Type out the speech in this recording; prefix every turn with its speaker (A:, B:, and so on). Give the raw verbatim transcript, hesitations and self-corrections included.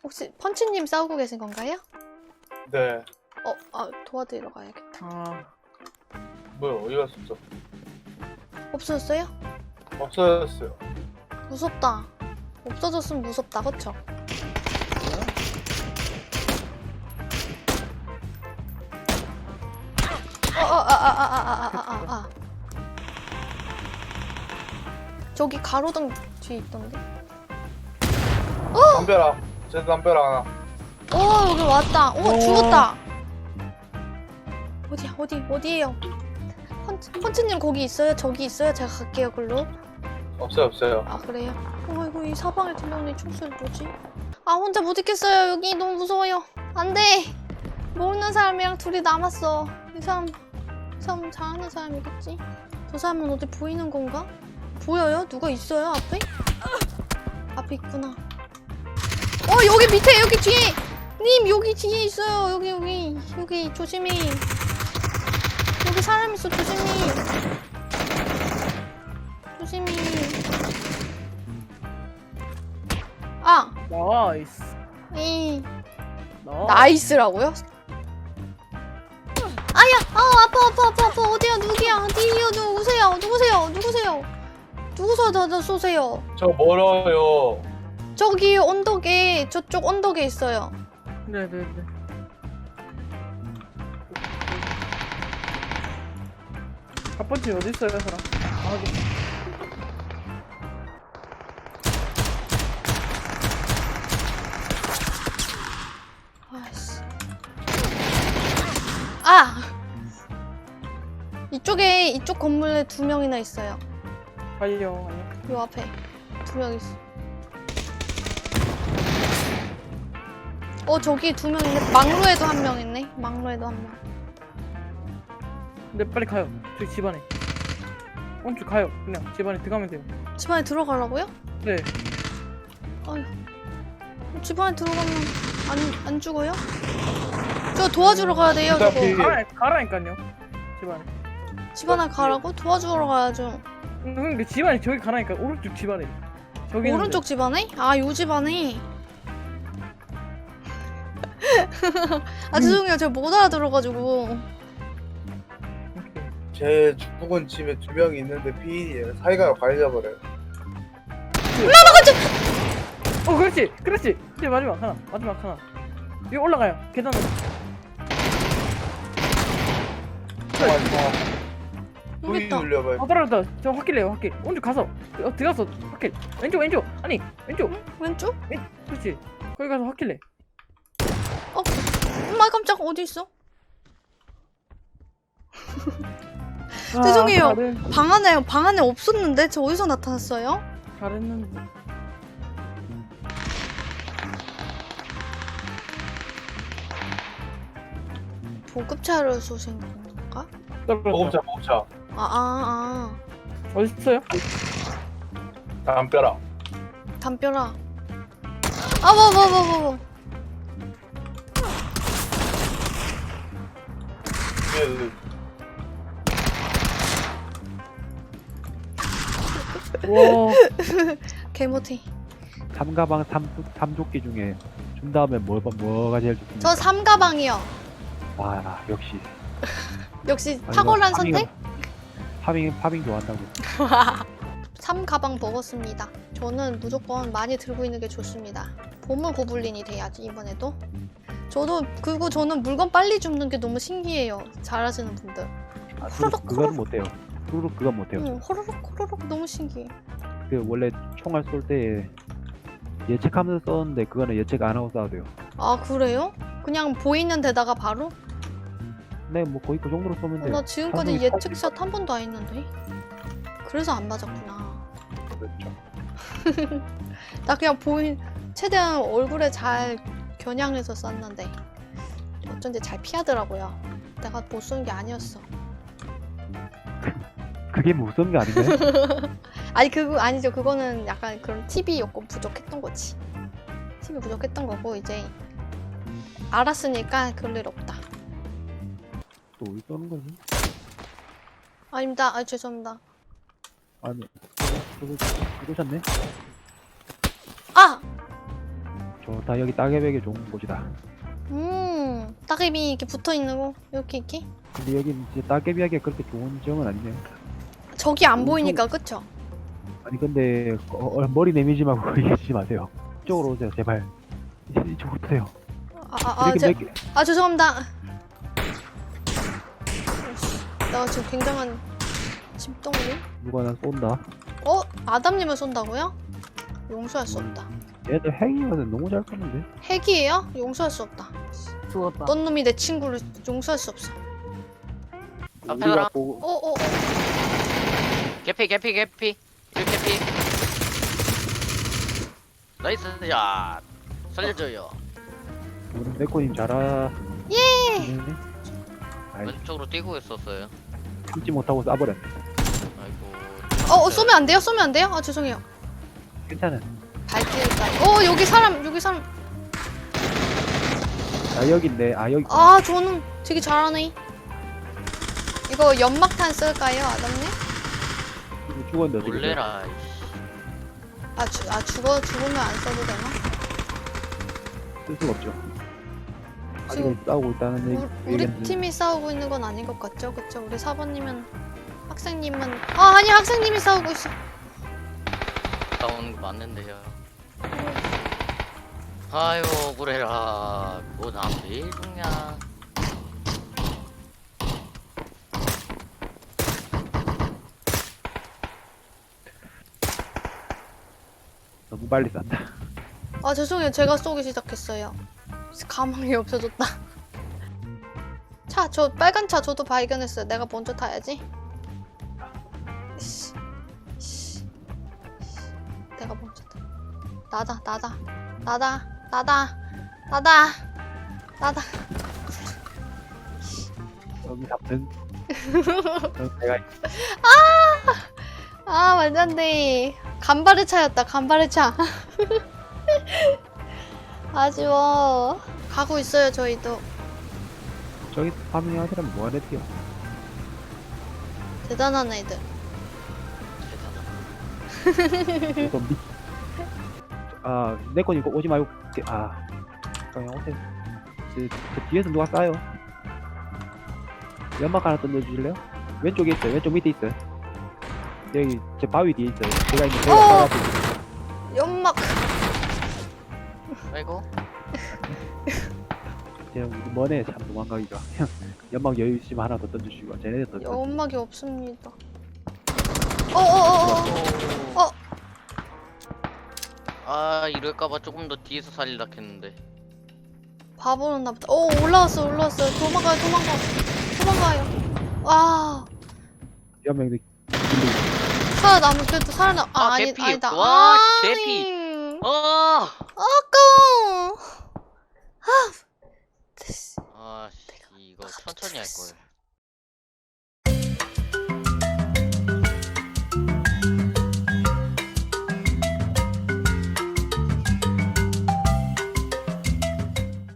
A: 혹시 펀치님 싸우고 계신 건가요?
B: 네.
A: 어, 아 도와드리러 가야겠다.
C: 아,
B: 뭐야, 어디 갔었죠?
A: 없어졌어요?
B: 없어졌어요.
A: 무섭다. 없어졌으면 무섭다, 그쵸? 어, 어, 아, 아, 아, 아, 아, 아, 아, 아. 저기 가로등 뒤에 있던데?
B: 담벼락. 제 담벼락 하나.
A: 오, 여기 왔다. 오,
C: 오.
A: 죽었다. 어디야, 어디, 어디에요? 펀치, 펀치님 거기 있어요? 저기 있어요? 제가 갈게요, 글로.
B: 없어요, 없어요.
A: 아, 그래요? 어, 이거 이 사방에 들려오는 이 총소리 뭐지? 아, 혼자 못 있겠어요. 여기 너무 무서워요. 안 돼. 모르는 사람이랑 둘이 남았어. 이 사람, 이 사람 잘하는 사람이겠지? 저 사람은 어디 보이는 건가? 보여요? 누가 있어요? 앞에? 앞에 있구나. 어, 여기 밑에, 여기 뒤에! 님, 여기 뒤에 있어요. 여기, 여기, 여기, 조심히. 여기 사람 있어, 조심히. 조심히. 아!
C: 나이스.
A: 이
C: 나이스.
A: 나이스라고요? 아야! 아 아파 아파 아파 아파 어디야 누구야 어디요 누구세요 누구세요 누구세요 누구서 나 쏘세요
B: 저 멀어요.
A: 저기 언덕에 저쪽 언덕에 있어요.
C: 네네네. 첫 번째 어디 있어요, 사람? 아, 여기.
A: 아이씨. 아! 이쪽에 이쪽 건물에 두 명이나 있어요.
C: 아니요, 아니요.
A: 요 앞에 두 명 있어. 어 저기 두 명 있네. 막루에도 한 명 있네. 막루에도 한 명.
C: 근데 빨리 가요. 저기 집안에. 오른쪽 가요. 그냥 집안에 들어가면 돼요.
A: 집안에 들어가려고요?
C: 네.
A: 아휴. 집안에 들어가면 안, 안 죽어요? 저 도와주러 가야 돼요,
B: 일단
A: 저거.
B: 비-
C: 가라, 가라니까요. 집안에.
A: 집안에 가라고? 도와주러 가야죠.
C: 응, 근데 집안에 저기 가라니까. 오른쪽 집안에. 저기
A: 오른쪽 집안에? 아, 요 집안에? 아, 죄송해요. 제가 못 알아들어가지고.
B: 제 죽은 집에 두 명이 있는데 피인이에요. 사이가 갈려버려요.
C: 어, 그렇지, 그렇지. 이제 마지막 하나, 마지막 하나. 여기 올라가요. 계단으로.
B: 아,
A: 여기 있다.
B: 눌려봐요.
C: 어, 떨어졌다. 저 확킬래요, 확킬. 오른쪽 가서. 어, 들어가서 확킬. 왼쪽, 왼쪽. 아니, 왼쪽.
A: 왼쪽?
C: 그렇지. 거기 가서 확킬래.
A: 어? 엄마 깜짝 어디 있어?
C: 아,
A: 죄송해요.
C: 잘했,
A: 방 안에, 방 안에 없었는데? 저 어디서 나타났어요?
C: 잘했는데.
A: 보급차를 쏘신 건가?
C: 떨어졌다.
B: 보급차, 보급차.
A: 아, 아,
C: 어디 있어요?
B: 담벼락.
A: 아. 담벼락. 아, 뭐, 뭐, 뭐, 뭐, 뭐.
B: 예,
C: 와,
A: 개모티.
D: 삼가방 삼, 삼조끼 중에 준 다음에 뭐, 뭐가 제일 좋습니까?
A: 저 삼가방이요.
D: 아 역시
A: 역시
D: 아니,
A: 탁월한
D: 뭐 파밍은-
A: 선택?
D: 파밍 파밍 좋아한다고.
A: 삼가방 먹었습니다. 저는 무조건 많이 들고 있는 게 좋습니다. 보물 고블린이 돼야지 이번에도. 저도 그리고 저는 물건 빨리 줍는 게 너무 신기해요. 잘하시는 분들.
D: 아,
A: 호로록,
D: 그거, 그건 못해요. 후루룩 그건 못해요.
A: 응, 호로록 호로록 너무 신기해.
D: 그 원래 총알 쏠 때 예측하면서 쏘는데 그거는 예측 안 하고 쏴도 돼요.
A: 아 그래요? 그냥 보이는 데다가 바로?
D: 네, 뭐 거의 그 정도로 쏘면
A: 어,
D: 돼요.
A: 나 지금까지
D: 사람이
A: 예측샷 한 번도 안 했는데. 그래서 안 맞았구나.
B: 그렇죠.
A: 나 그냥 보인 최대한 얼굴에 잘 겨냥해서 쐈는데 어쩐지 잘 피하더라고요. 내가 못 쏜 게 아니었어.
D: 그게 무슨 게 아닌가요?
A: 아니 그거 아니죠. 그거는 약간 그런 팁이 조금 부족했던 거지. 팁이 부족했던 거고 이제 알았으니까 그럴 일 없다.
D: 또 어디 쏘는 거지?
A: 아닙니다. 아 죄송합니다.
D: 아니, 저거 쏘셨네?
A: 아!
D: 저 좋다. 여기 따개비에게 좋은 곳이다.
A: 음, 따개비 이렇게 붙어 있는 거 이렇게 이렇게.
D: 근데 여긴 이제 따개비에게 그렇게 좋은 지형은 아니네요.
A: 저기 안
D: 엄청-
A: 보이니까 그쵸?
D: 아니 근데 어, 어, 머리 내밀지 말고 거기 계시지 마세요. 이쪽으로 오세요 제발. 이- 이쪽으로 오세요.
A: 아, 아, 아,
D: 이렇게
A: 제,
D: 몇 개-
A: 아 죄송합니다. 어이씨, 나 지금 굉장한 짐덩어리.
D: 누가 난 쏜다.
A: 어? 아담님을 쏜다고요? 용서할 수 없다.
D: 얘들 핵이거든. 너무 잘 쏘는데.
A: 핵이에요? 용서할 수 없다.
C: 죽었다.
A: 어떤 놈이 내 친구를 용서할 수 없어.
E: 앞에
D: 우리가
E: 가라.
D: 보고
A: 어, 어, 어.
E: 개피 개피 개피 일 개피. 나이스 샷. 살려줘요.
D: 우리 네코님 잘하.
A: 예.
D: 아이
E: 왼쪽으로 뛰고 있었어요.
D: 참지 못하고 쏴버렸네.
E: 아이고.
A: 어, 어, 쏘면 안 돼요? 쏘면 안 돼요? 아, 죄송해요.
D: 괜찮아.
A: 발길까. 어, 여기 사람, 여기 사람.
D: 아 여기인데. 아 여기.
A: 아, 저는 되게 잘하네. 이거 연막탄 쓸까요, 아담님?
D: 이거 죽었는데 어떻게 돼?
E: 놀래라. 이씨.
A: 아, 주, 아 죽어, 죽으면 안 써도 되나?
D: 쓸 수가 없죠.
A: 지금
D: 아직은 싸우고 있다는 얘기.
A: 우리, 우리
D: 얘기는
A: 팀이 싸우고 있는 건 아닌 것 같죠? 그쵸? 우리 사 번님은 학생님은 아 아니 학생님이 싸우고 있어.
E: 나오는 거 맞는데요. 아유 그래라. 뭐나왜 죽냐.
D: 너무 빨리 쐈다.
A: 아 죄송해요. 제가 쏘기 시작했어요. 가망이 없어졌다. 차, 저 빨간 차 저도 발견했어요. 내가 먼저 타야지. 씨, 씨, 내가 먼저 타. 나다, 나다, 나다, 나다, 나다, 나다.
D: 여기 잡든. 어, 내가
A: 아 말도 안 돼. 간발의 차였다. 간발의 차. 아쉬워. 가고 있어요. 저희도.
D: 저기 파밍 하더라면 뭐하래 뛰어.
A: 대단한 애들.
E: 대단하다.
D: 이거 미. 아 네코님 이거 오지 말고. 뛰- 아 그냥 오세요. 저, 저 뒤에서 누가 쏴요? 연막 하나 던져주실래요? 왼쪽에 있어요. 왼쪽 밑에 있어요. 여기 제 바위 뒤에 있어요. 제가 있는 제가
A: 어!
D: 쏴가지고.
A: 연막.
E: 아이고.
D: 제가 우리 머네 참 도망가기가. 연막 여유 있으면 하나 더 던져주시고 쟤네들 더.
A: 연막이 없습니다. 어어어어.
E: 오.
A: 어.
E: 아 이럴까봐 조금 더 뒤에서 살리려 했는데.
A: 바보였나 보다. 오 올라왔어 올라왔어. 도망가요 도망가. 도망가요. 와
D: 연명들.
A: 살아남은 그래도 살아남. 아,
E: 아,
A: 아니
E: 개피.
A: 아니다.
E: 와,
A: 아니.
E: 개피. 어.
A: 아까워.
E: 아씨 이거 천천히 할 걸.